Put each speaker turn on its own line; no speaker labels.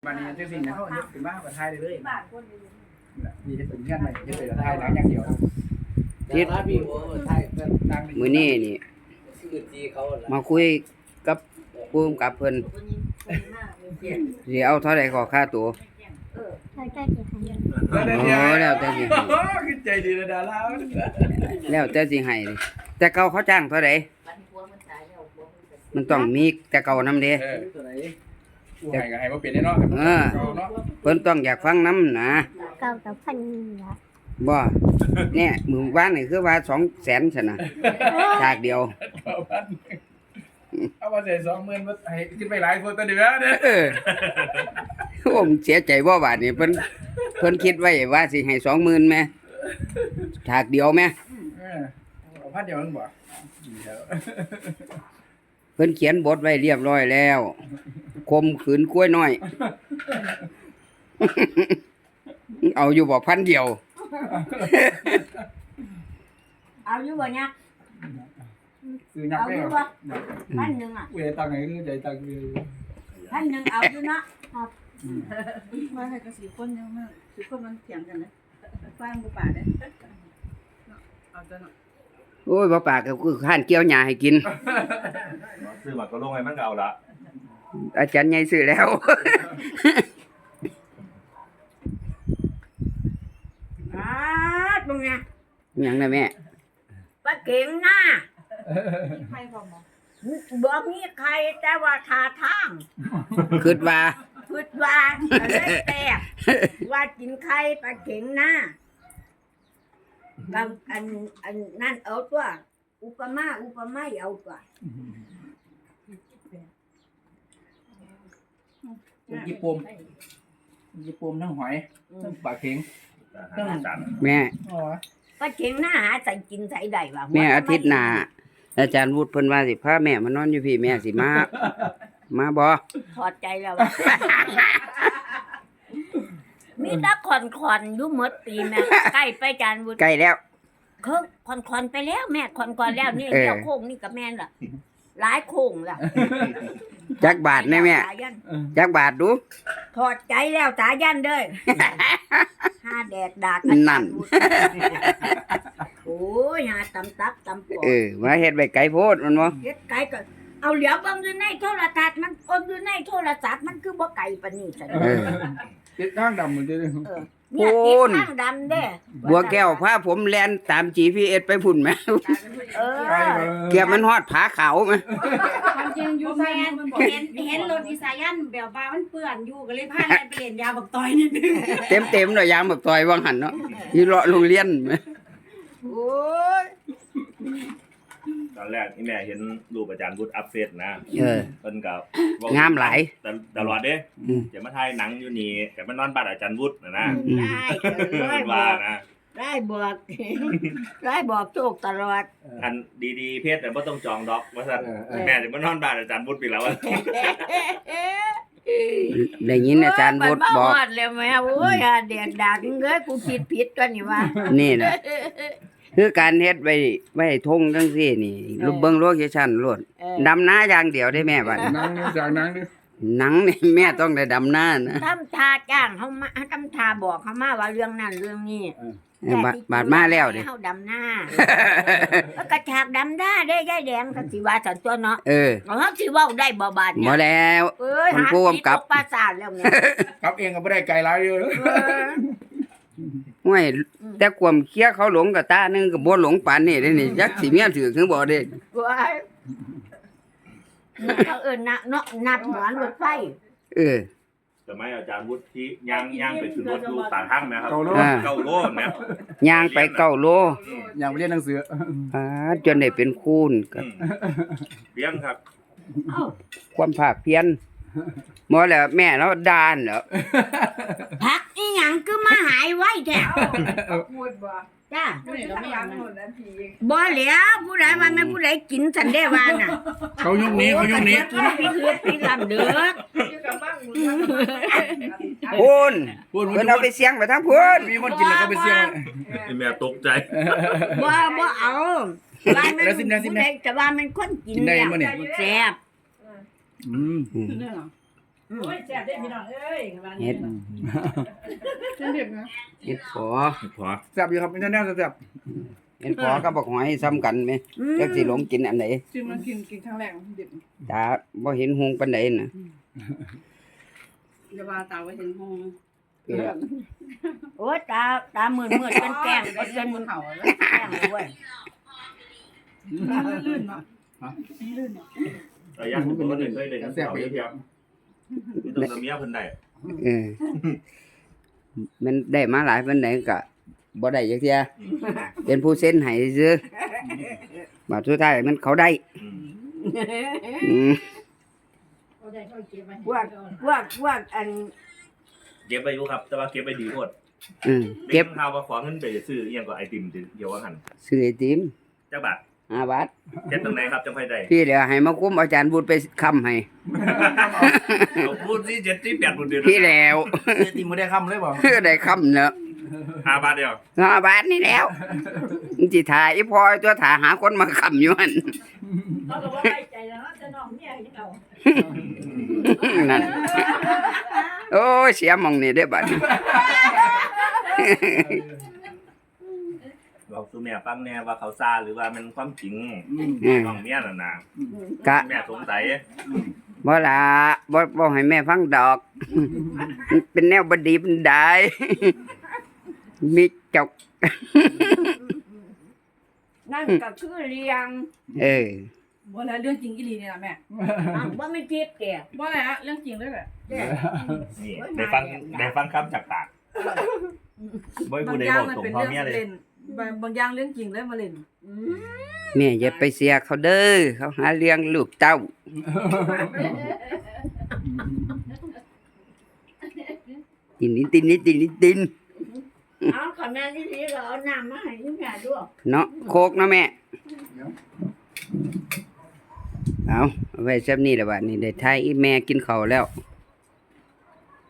วันนี้จังสิ่งนะเขาเป็นบ้าประทายเลยนี่จะเป็นเงื่อนไหมจะเป็นประทายหลังอย่างเดียว
ทิศมื้อนี้นี่มาคุยกับผู้กำกับเพิ่นสิเอาเท่าใดขอค่าตัวแล้วแต่สิให้
คือใจดีนะดารา
แล้วแต่สิให้แต่เก่าเขาจ้างเท่าใดมันต้องมีแต่เก่านำเด้
ผู้ให้ก็ให้บ่เป็นแน่เนาะ
เพิ่นต้องอยากฟังนำนะ
เก่ากับพันละ
บ่เนี่ยมื้อวานนี่คือว่า 200,000 ซั่นน่ะฉากเดียว
เอาว่าได้20,000บ่ให้ขึ้นไปหลายคนตัวเดียวเด้อ
ผมเสียใจบ่บาดนี้เพิ่นคิดไว้ว่าสิให้ 20,000 แม่ฉากเดียวแม่
เอาพันเดียวนึงบ่
เพิ่นเขียนบทไว้เรียบร้อยแล้วคมขืนกล้วยน้อยเอาอยู่บ่พันเดียว
เอาอยู่บ่เนี่ย
ซื้อยักษ์ได้บ่
1,000อ่ะ
อุ้ยตังค์ไหนคือใจตังค์
1,000เอาอยู่เนาะครับ
มาให้กับ4คนยังมา4คนมันเถียงกันนะฟังบ่ปาเด้เอาจังเนาะ
โอ้ยบ่ปากก็คือข้านเกี่ยวหญ้าให้กิน
ซื้อมาก็ลงให้มันเอาละ
อาจารย์ใหญ่ซื้อแล้ว
ตรงเนี้ย
หยังน่ะแม่
ปลาเก่งหน้า
ใครพร้อม
บ่มีใครแต่ว่าท่าทาง
คิดว่า
ก็เลยแตกว่ากินไข่ปลาเก่งหน้าบางอันนั่นเอาตัวอุปมาเอาตัว
ญี่ปุ่นทั้งหอยทั้งปลาเข็ง
แม่
ปลาเข็งหน้าหาใส่กินใส่ได้ว่า
แม่อาทิตย์หน้าอาจารย์วุฒิเพิ่นว่าสิพาแม่มานอนอยู่พี่แม่สิมาบ่
ถอดใจแล้วมีแต่คอนอยู่หมดปีแม่ใกล้ไปอาจารย์วุฒิ
ใกล้แล้ว
คือคอนไปแล้วแม่คอนแล้วนี่เดี๋ยวโค้งนี่กับแม่ล่ะหลายโค้งล่ะ
จักบาทแน่แม่จักบาทดู
ถอดใจแล้วสายันเด้อห้าแดดดาก
นั่น
โอ้ยหาตำตับตำปอ
มาเฮ็ดไว้ไกลโพดมันบ่
เฮ็ดไกลก็เอาเหลียวเบิ่งอยู่ในโทรทัศน์มันคนอยู่ในโทรศัพท์มันคือบ่ไกลปานนี้ซั่น
ติดทางดำเหมือนเด้
เนี่ยติดทางดำเด้
บัวแก้วพาผมแล่นตาม GPS ไปพุ่นแม่เกียบมันฮอดผาขาวแม่
ความจริงอยู่แฟนเห็นรถอีสายันแบบว่ามันเปื้อนอยู่ก็เลยพาแล่นไปเล่นยาบักตอยนิดนึง
เต็มๆเลยยางบักตอยว่างหั่นเนาะอยู่เลาะโรงเรียนแม่
โอ้ย
ตอนแรกที่แม่เห็นรูปอาจารย์วุฒิอัพเฟซนะเพิ่นก็
งามหลาย
ตลอดเด้จะมาถ่ายหนังอยู่นี่ก็มานอนบ้านอาจารย์วุฒินะ
ได้
ว่านะ
ได้บอกโชคตลอด
อันดีๆเพชรแต่บ่ต้องจองดอกว่าซั่นแม่จะมานอนบ้านอาจารย์วุฒิไปแล้ว
ได้ยินอาจารย์วุฒิบอก
แล้วแม่โอ้ยเด็กดักเอ้ยกูคิดผิดกันนี่ว่า
นี่น่ะคือการเฮ็ดไว้ทงจังซี่นี่รูปเบิ่งโลเคชั่นโลดดำนาอย่างเดียวได้แม่บัด
หนังจากหนังดิ
หนังนี่แม่ต้องได้ดำนานะ
ทำท่าจ้างเฮามาทำท่าบอกเฮามาว่าเรื่องนั้นเรื่องนี้
บาดมาแล้วดิ
เฮาดำนาแล้วก็ฉากดำนาได้ยายแดงก็สิว่าซั่นตัวเนาะเฮาสิเว้าได้บ่บาดเนี่ย
บ่แล้ว
มันผู้กำกับปราสาทแล้วแม่
กับเองก็บ่ได้ไกลหลายเด้อ
ห้วยแต่ความเคลียร์เขาหลงกับตานึงก็บ่หลงปานนี้เด้นี่จักสิเมียถือถึงบ่เด้
เขานับหัวรถไฟ
สมัยอาจารย์วุฒิที่ย่างไปขึ้นรถอยู่ปากทางนะครับ9 โลนะ
ย่างไป9 โล
ย่างไปเรียนหนังสือ
จนได้เป็นคูณครับ
เพียงครับ
ความภาคเพียรบ่แล้วแม่เราด่านเหรอ
พักอีหยังคือมาหายไว้แท้
พูดบ่
จ้า
บ่
แล้วผู้ใดว่าแม่ผู้ใดกินสันได้ว่าน่ะ
เขายุคนี้
กินพี่ลำเด้อ
พูนเพิ่นเอาไปเสียงไปทางพูน
มีคนกินแล้วก็ไปเสียง
แม่ตกใจ
บ่เอาว่ามันแต่ว่ามันคนกินแล้วแซ่บ
โอ้ยแซ่บได้พี่น้องเอ้ยบ้าน
เฮ็
นี้
ด
เด็ดนะ
เฮ็ดพอ
พอ
แซ่บอยู่ครับอินเทอร์เน็ตแซ่บ
เฮ็ดพอกับบักหอยซ้ำกันแม่จักสิหลงกินอันไหน
ชิมมันกินครั้งแรกเด็ด
ตาบ่เห็นหุงปานใดน่ะ
อย่าว่าตาไว้เห็นห้อง
เออ
โอ้ยตามืดเป็นแกล้ง
ไอ้
เป็น
บนเขาแล้ว
แกล้งด้วย
ลื่นเนาะลื่นเนาะ
ระยะผมก็เคยได้แซ่บไปเทียบนี่ต้องเมียเพิ่นได้
เออมันได้มาหลายปานใดก็บ่ได้จักเที่ยเป็นผู้เซ็นให้ซื่อบัดสุดท้ายมันเขาได้อืม
พวกอัน
เก็บไปอยู่ครับ แต่ว่าเก็บไปดีโคตร
เก็บ
ข่าวว่าขอเงินไปซื้ออีหยังก็ไอติมเดี๋ยวว่าหั่น
ซื้อไอติม
จักบาท
5 บาท
เฮ็ดตรงไหนครับจังค่อยได้
พี่เดี๋ยวให้มาคุ้มอาจารย์บุญไปค้ำให้
เอาพูดสิ7ที่8บ่เดือน
พี่แล้ว
ตีมือได้คำเลยบ่
เพื่อได้ค้ำเนาะ
5 บาทเดียว
5 บาทนี่แล้วจิถ่ายอีพอตัวถ่าหาคนมาค้ำอยู่หั่น
เขาก็ว่าไว้ใจแล้วจะน้องเนี่ยยังเอา
นั่นโอ้ยเสียหมองนี่ได้อบัด
บอกสู่แม่ฟังแน่ว่าเขาซาหรือว่ามันความจริง
อืม
น้องเมียน่ะนะ
กะ
แม่สงสัย
บ่ล่ะบ่ให้แม่ฟังดอกมันเป็นแนวบดีบันไดมีจก
นั่นก็คือเลี้ยง
เออ
บ่แล้วเรื่องจริงอีหลีนี่ล่ะแม่
ว่าไม่ทิพย์แก
บ่แล้วเรื่องจริงเลยแหละ
นี่ได้ฟังคำจากปากบ่ให้
บา
ผู้
ง
ใด
อย่าง
บอก
มัน
ตรง
เป็น
พ่อ
เรื่อง
เมียเลย
เล่นบางอย่างเรื่องจริงเลยมาเล่น
แม่อย่าไปเสียเขาเด้อเขาหาเลี้ยงลูกเต้าติน
เอาขอแม่ที่นี่เราเอาน้ำมาให้ที่แม่ด้วย
เนาะโคกเนาะแม่เอาไว้ซับนี่แหละบัดนี้ได้ทายอีแม่กินข้าวแล้ว
เ